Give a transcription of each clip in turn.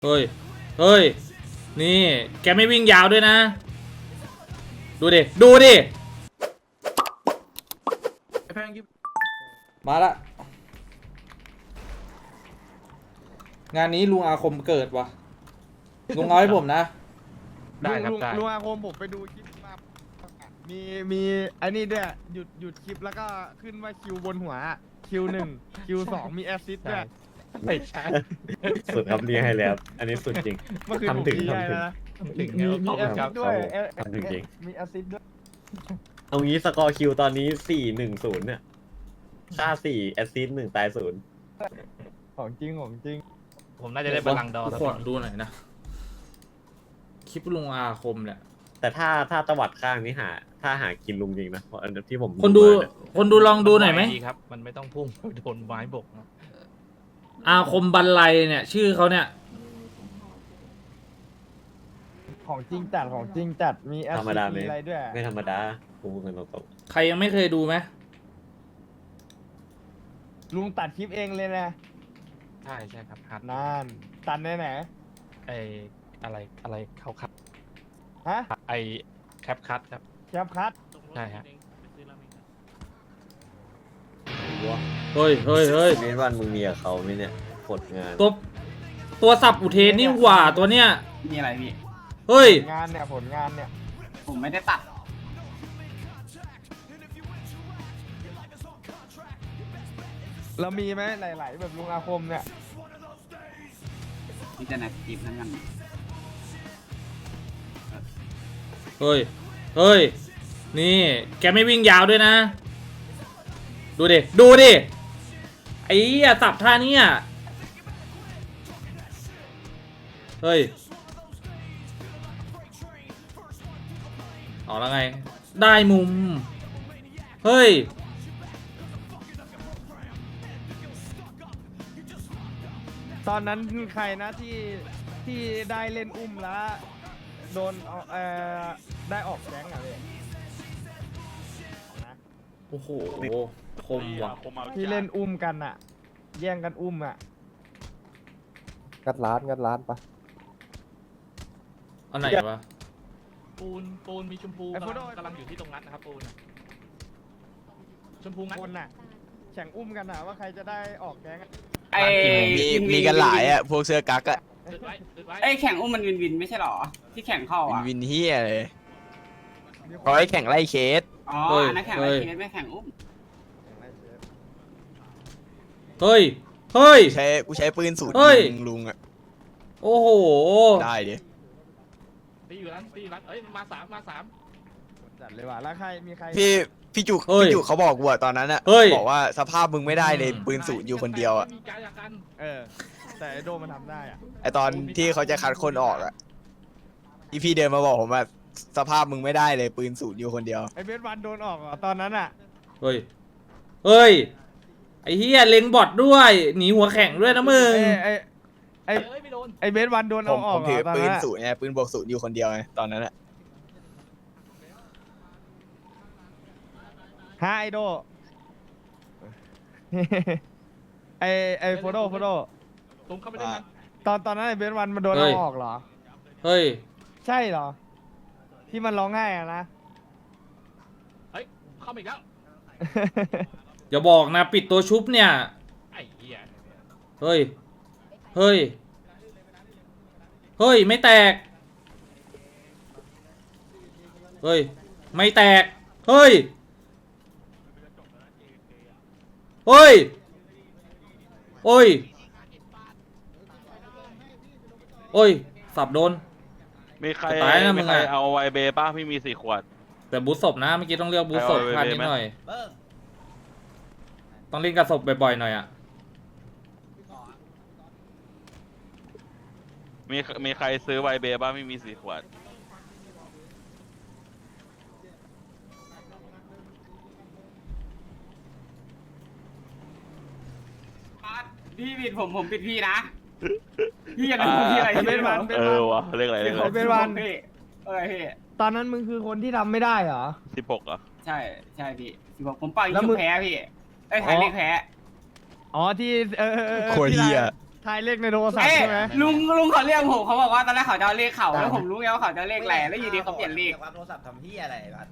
เฮ้ย เฮ้ย นี่แกไม่วิ่งยาวด้วยนะ ดูดิ ดูดิ มาละ งานนี้ลุงอาคมเกิดวะลุงเอาให้ผมนะได้ครับได้ลุงอาคมผมไปดูคลิปมามีไอ้นี่ด้วยหยุดคลิปแล้วก็ขึ้นว่าคิวบนหัวคิว1คิว2มีแอสซิสต์ด้วยไม่ใช่สุดครับนี่ให้แล้วอันนี้สุดจริงเมื่อคืนผมทำถึงดีใจทำถึงนะถึงมีแอสซิสต์ด้วยทำถึงจริงมีแอสซิสต์ด้วยเอางี้สกอร์คิวตอนนี้4-1-0เนี่ยฆ่า4แอสซิสต์1ตาย0 ของจริงของจริงผมน่าจะได้บัลลังก์ดอร์ขอดูหน่อยนะ คลิปลุงอาคมเนี่ยแต่ถ้าตวัดข้างนี้ถ้าหากินลุงจริงนะเพราะอันที่ผมคนดูมาเนี่ยคนดูลองดูหน่อยไหมดีครับ มันไม่ต้องพุ่งโดนไม้บกนะอาคมบันไลเนี่ย ชื่อเขาเนี่ยของจริงจัดของจริงจัดมีแอสธรรมซิสดาต์ไหมมีอะไรด้วยไม่ธรรมดาพูดกันตรงใครยังไม่เคยดูไหมลุงตัดคลิปเองเลยนะใช่ใช่ครับฮัทนานตัดไหนไหนไออะไรเขาคัดฮะไอแคปคัทครับแคปคัทใช่ฮะเฮ้ยเฮ้ยเฮ้ยๆเมนวันมึงมีกับเขาไหมเนี่ยผลงานตัวสับอุเทนนี่หว่าตัวเนี้ยมีอะไรพี่เฮ้ยงานเนี่ยผลงานเนี่ยผมไม่ได้ตัดเรามีไหมหลายๆแบบลุงอาคมเนี่ยมีแต่ในคลิปนั้นกันเฮ้ย เฮ้ย นี่แกไม่วิ่งยาวด้วยนะ ดูดิ ดูดิ ไอ้เหี้ยสับท่าเนี้ยเฮ้ย เอาแล้วไง ได้มุม เฮ้ยตอนนั้นใครนะที่ได้เล่นอุ้มแล้วโดนได้ออกแก๊งอะพี่นะโอ้โห คมว่ะที่เล่นอุ้มกันอะแย่งกันอุ้มอะงัดร้านปะอันไหนวะปูนมีชมพูกำลังอยู่ที่ตรงนั้นนะครับปูนชมพูงั้นคนน่ะแข่งอุ้มกันอะว่าใครจะได้ออกแก๊งอะไอ้มีกันหลายอ่ะ พวกเสื้อกั๊กอ่ะอึดไว้อึดไว้ไอ้แข่งอุ้มมันวินไม่ใช่หรอ ที่แข่งเข้าอ่ะวินเฮียเลยเขาให้แข่งไล่เคสอ๋อเฮ้ยอันนั้นแข่งอะไรเคสไม่แข่งอุ้มเฮ้ย เฮ้ยกูใช้ปืนสูตรเฮ้ยยิงลุงอ่ะโอ้โหได้ดิตีอยู่ร้านเอ้ยมาสามจัดเลยว่ะแล้วใครมีใครพี่จุกเฮ้ยพี่จุกเขาบอกกูอะตอนนั้นอ่ะเฮ้ยบอกว่าสภาพมึงไม่ได้เลยปืนสูตรอยู่คนเดียวอ่ะมีการจากกันแต่ไอโดมันทำได้อะไอตอนที่เขาจะคัดคนออกอ่ะพี่เดินมาบอกผมว่าสภาพมึงไม่ได้เลยปืนสูตรอยู่คนเดียวไอเบสวันโดนออกเหรอตอนนั้นอะเฮ้ย เฮ้ย ไอ้เฮียเล็งบอทด้วย หนีหัวแข็งด้วยนะมึงไอเอ้ยไม่โดนไอเบสวันโดนผเอามออกเหรถืออตอนปืนั้น นอะสูตรไงปืนบวกสูตรอยู่คนเดียวไงตอนนั้นอ่ะฮะไอโด ไอโฟโต้ตรงเข้าไปได้นั้นตอนนั้นไอเบสวันมันโดนเฮ้เอายออกเหรอเฮ้ยใช่เหรอ ที่มันร้องไห้อะนะเฮ้ยเข้ามาอีกแล้วอย่าบอกนะ ปิดตัวชุบเนี่ยไอ้เหี้ยเฮ้ย เฮ้ย เฮ้ย ไม่แตก เฮ้ย ไม่แตก เฮ้ย เฮ้ย โอ้ย โอ้ย สับโดนมีใครจะตายนะมึมีงใครอะเอาไวเบป้าพี่มี4 ขวดแต่บูทศพนะ เมื่อกี้ต้องเลือกบูทศพเอาไว้พลาดนิดไหมหน่อย ต้องเล่นกับศพบ่อยๆหน่อยอ่ะมีใครซื้อไวเบป้าพี่มี4 ขวดพี่ปิดผมปิดพี่นะ พี่อย่าทำพี่อะไรไอเบสวันเออวะเรียกอะไรเรียกอะไรเบสวันพี่พี่ตอนนั้นมึงคือคนที่ทำไม่ได้เหรอ 16อ่ะใช่พี่บอกผมปล่อยแล้วคิมึวงแพ้พี่ไอ้ยถ่ายเลขแพ้อ๋อที่โคตรเฮียทายเลขในโทรศัพท์เอ้ยใช่ไหมลุงเขาเรียกผมเขาบอกว่าตอนแรกเขาจะเอาเลขเขาแล้วผมรู้ไงว่าเขาจะเอาเลขอะไรแล้วอยู่ดีเขาเปลี่ยนเลขโทรศัพท์ทำที่อะไรบัส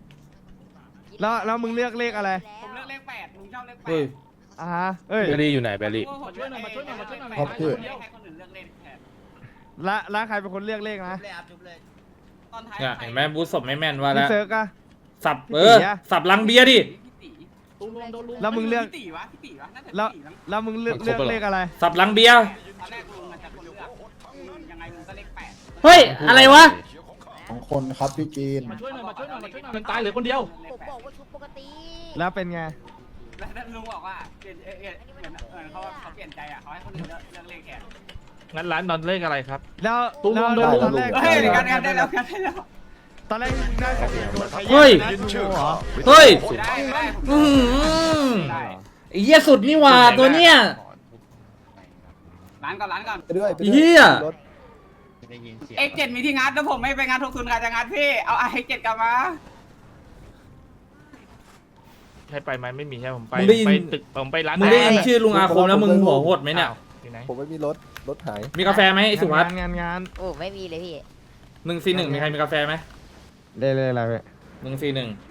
แล้วมึงเลือกเลขอะไรผมเลือกเลข8ลุงชอบเลขเฮ้ย 8 อ่าฮะเอ้ยมาช่วยหน่อยมาช่วยหน่อยให้ครับพี่คนอื่นเลือกเลขแทนแล้วใครเป็นคนเลือกเลขนะเลยอัพจุ๊บเลยตอนท้ายเนี่ยเห็นไหมบูธศพไม่แม่นว่าพี่แล้วเซิร์กอะสับพี่เอตีออะสับลังเบียร์ดิพี่ตีตูนโดนลุงแล้วมึงเลือกพี่ตีวะพี่ตีวะน่าจะแล้วพี่ตีมั้งแล้วมึงเลือกเลขอะไรสับลังเบียร์ตอนแรกลุงมันจะคนเลือกยังไงลุงก็เลข8 เฮ้ยอะไรวะของคนครับพี่จีนมาช่วยหน่อยมาช่วยหน่อยมาช่วยหน่อยมันตายเหลือคนเดียวผมบอกว่าชุดปกติแล้วเป็นไงแล้วลุงบอกว่าเปลี่ยนเหมือนเขาเปลี่ยนใจอ่ะเขาให้คนอื่นเลือกเลขแทนงั้นร้านนอนเลขอะไรครับแล้วตุ้มแล้วโดนตอนแรกเฮ้ยกันได้แล้วกันได้แล้วตอนแรกมึงได้สติโดนใครเฮ้ยยืนดูเหรอเฮ้ยได้อื้อหือได้ไอ้เหี้ยสุดนี่หว่าตัวเนี้ยร้านก่อนไปด้วยไปด้วยเหี้ยรถ X7 มีที่งัดแล้วผมไม่ไปงานทุกทุนใครจะงัดพี่เอา X7 กลับมาใช่ไปไหมไม่มีใช่ผมไปมึงได้ยินไปตึกผมไปร้านมึงได้ยินชื่อลุงอาคมแล้วมึงหัวโหดไหมเนี่ยที่ไหนผมไม่มีรถ รถหายมีกาแฟไหมไอ้สุวัสด์งานโอ้ไม่มีเลยพี่ 141มีใครมีกาแฟไหมเลยอะไรเว้ย 141